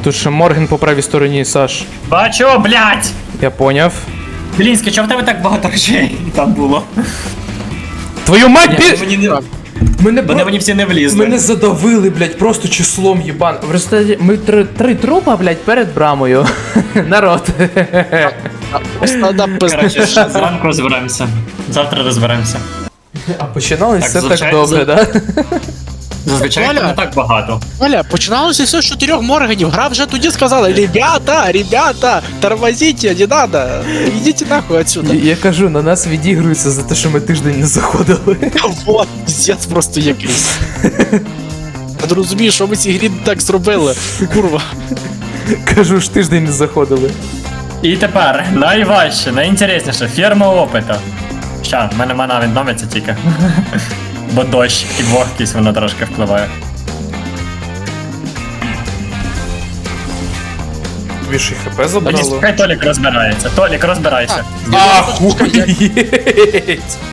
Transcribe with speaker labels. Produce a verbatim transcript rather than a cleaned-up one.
Speaker 1: Тут ще Морген по правій стороні, Саш.
Speaker 2: Бачу, блядь!
Speaker 1: Я поняв.
Speaker 2: Блінське, чого в тебе так багато речей там було?
Speaker 1: Твою мать,
Speaker 2: Ні,
Speaker 1: бі...
Speaker 2: мені не...
Speaker 1: Мене,
Speaker 2: Вони мені всі не влізли.
Speaker 1: Мене задавили, блядь, просто числом єбан. В результаті ми три, три трупа, блядь, перед брамою. Народ.
Speaker 3: Просто да,
Speaker 2: Коротше, зранку розберемося. Завтра розберемося.
Speaker 1: А починалось
Speaker 2: Так,
Speaker 1: все так
Speaker 2: звичайно,
Speaker 1: добре, да?
Speaker 2: Зазвичай
Speaker 3: Валя.
Speaker 2: там не так багато.
Speaker 3: Оля, починалося все з чотирьох морганів. Гра вже тоді сказала: ребята, ребята, тормозите, не надо. Ідіть нахуй отсюда.
Speaker 1: Я, я кажу, на нас відігруються за те, що ми тиждень не заходили.
Speaker 3: Вот, піздець просто якийсь. Я не розумію, що ми цій грі так зробили. Курва.
Speaker 1: Кажу ж, тиждень не заходили.
Speaker 2: І тепер найважче, найінтересніше, ферма опиту. Ща, в мене мана відновиться тільки. Бо дощ і вогкість воно трошки впливає.
Speaker 1: Тобі ж і хп
Speaker 2: Тоді
Speaker 1: забрало.
Speaker 2: хай Толік розбирається. Толік, розбирайся.
Speaker 1: Ахуєть!